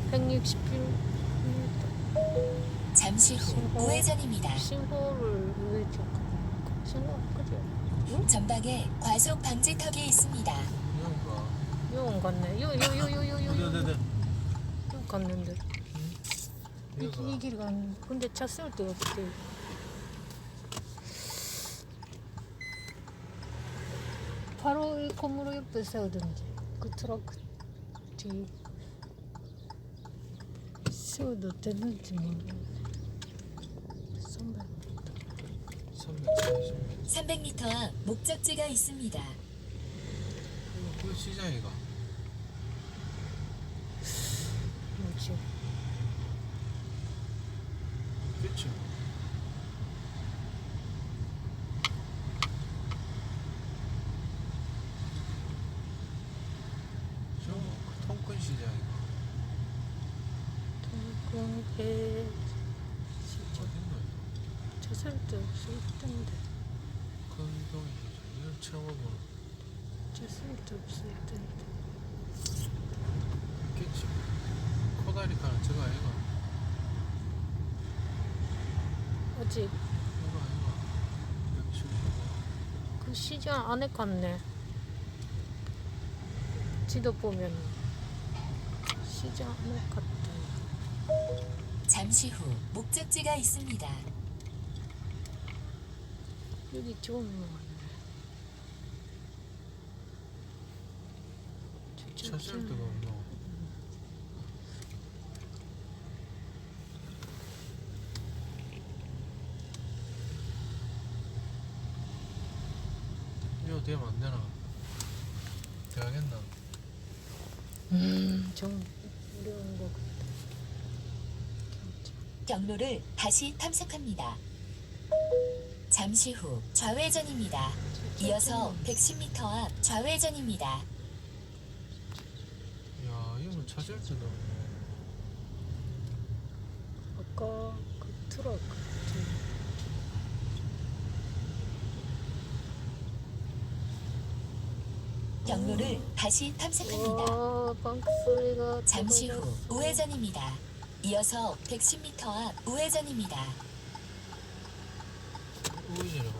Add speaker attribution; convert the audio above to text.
Speaker 1: 160km.
Speaker 2: 잠시 후 우회전입니다.
Speaker 1: 신호를 우회전. 신호 그죠? 응?
Speaker 2: 전방에 과속 방지턱이 있습니다.
Speaker 1: 용 갔네. 용
Speaker 2: 네네네.
Speaker 1: 갔는데. 이 길 갔는데. 근데 차 세울 데가 없대. 바로 이 건물 옆에 세우든지 그 트럭 뒤 세워도 되는지 모르겠네.
Speaker 2: 300m 앞 목적지가 있습니다.
Speaker 3: 그 시장이가
Speaker 1: 뭐지?
Speaker 3: 그치. 저 통큰 시장이가
Speaker 1: 통근해 진짜
Speaker 3: 어딨노?
Speaker 1: 저 살도 없을 텐데
Speaker 3: 큰 동이 시장 이걸 채워보는
Speaker 1: 저 살도 없을 텐데
Speaker 3: 있겠지. 코다리카는 저거 아이가.
Speaker 1: 어제
Speaker 3: 이거 아이가. 여기 실수고.
Speaker 1: 그 시장 안에 갔네. 지도 보면 시장 안에 갔다.
Speaker 2: 잠시 후 목적지가 있습니다.
Speaker 1: 여기 좋은 거 같네.
Speaker 3: 찾을 데가 없노. 이거 되면 안 되나? 돼야겠나?
Speaker 1: 좀 어려운 거 같아.
Speaker 2: 경로를 다시 탐색합니다. 잠시 후 좌회전입니다. 이어서 110m 앞 좌회전입니다.
Speaker 3: 야, 이거 찾을 데가 없네.
Speaker 1: 아까 그 트럭
Speaker 2: 경로를 다시 탐색합니다.
Speaker 1: 방크 소리가
Speaker 2: 잠시 후 우회전입니다. 이어서 110m 앞 우회전입니다.
Speaker 3: 우회전해